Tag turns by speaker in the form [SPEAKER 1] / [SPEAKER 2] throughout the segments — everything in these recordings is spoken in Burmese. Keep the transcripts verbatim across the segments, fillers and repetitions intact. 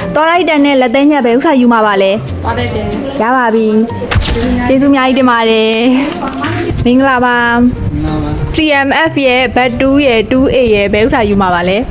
[SPEAKER 1] တော်လိုက်တန်နဲ့လက်သိညက်ပဲဥစားယူမှာပါလေတော်လိုက်တယ်ရပါပြီကျေးဇူးအများကြီးတင်ပါတယ်မင်္ဂလာပါစီ အမ် အက်ဖ် ရဲ့ ဘတ်တူရဲ့ တူအေရဲ့ဘယ်ဥစားယူမှာပါလဲ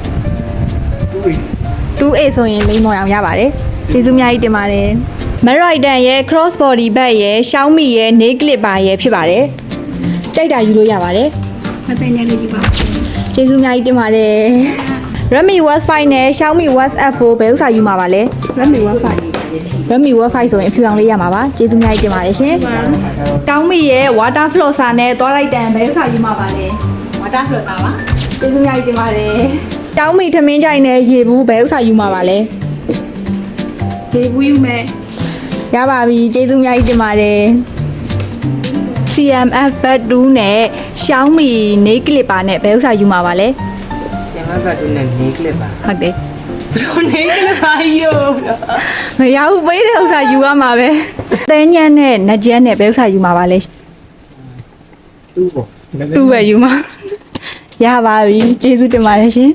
[SPEAKER 1] တူအေဆိုရင်လိမ့်မော်အောင်ရပါတယ်ကျေးဇူးအများကြီးတင်ပါတယ်မရိုက်တန်ရဲ့ cross body bag ရဲ့ Xiaomi ရဲ့ nail clipper ရဲ့ဖြစ်ပါတယ်ကြိုက်တာယူလို့ရပါတယ်မသိနေလေးဒီပါကျေးဇူးအများကြီးတင်ပါတယ် Redmi Watch ဖိုင်နဲ့ Xiaomi Watch အက်ဖ် ဖိုးဘယ်ဥစားယူမှာပါလဲ Redmi Watch ဖိုင် Redmi Watch ဖိုင်ဆိုရင်အဖြူအောင်လေးရမှာပါကျေးဇူးအများကြီးတင်ပါတယ်ရှင်တောင်းမီရဲ့ water flosser နဲ့သွားလိုက်တန်ဘယ်ဥစားယူမှာပါလဲ water flosser ပါကျေးဇူးအများကြီးတင်ပါတယ်တောင်းမီထမင်းကြိုင်နဲ့ရေဘူးဘယ်ဥစားယူမှာပါလဲရေဘူးယူမယ်ရပါပြီကျေးဇူးအများကြီးတင်ပါတယ် စီ အမ် အက်ဖ် Bud တူနဲ့ Xiaomi nail clipper နဲ့ဘယ်ဥစားယူမှာပါလဲ
[SPEAKER 2] ဆီယမ် ဘတ်တူနဲ့နေကလစ်ပါ
[SPEAKER 1] ဟုတ်တယ်
[SPEAKER 2] ဘလို့နေကလစ်ပါယော
[SPEAKER 1] မရဘူးပေးတဲ့ဥစ္စာယူရမှာပဲသဲညံ့နဲ့နက်ကျန်းနဲ့ဘယ်ဥစ္စာယူမှာပါလဲ
[SPEAKER 2] တူပေါ့
[SPEAKER 1] သူ့ပဲယူမှာရပါပြီကျေးဇူးတင်ပါတယ်ရှင်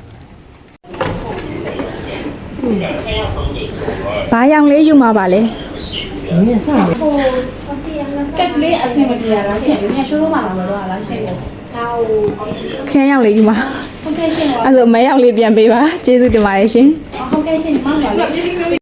[SPEAKER 1] ဘာရောင်လေးယူမှာပါလဲ
[SPEAKER 2] မင်းစားမယ်
[SPEAKER 3] ကက်လေးအဆင်မပြေရတာရှင်မြင်ရှိုးလို့မှလာမတော့လားရှင်ကိုဒါဟို
[SPEAKER 1] ခရမ်းရောင်လေးယူမှာ
[SPEAKER 3] ဟုတ်ကဲ့ရှင်
[SPEAKER 1] အဲ့ဒါမဲရောင်လေးပြန်ပေးပါကျေးဇူးတင်ပါတယ်ရှင်
[SPEAKER 3] ဟုတ်ကဲ့ရှင်မောင်ပါလေ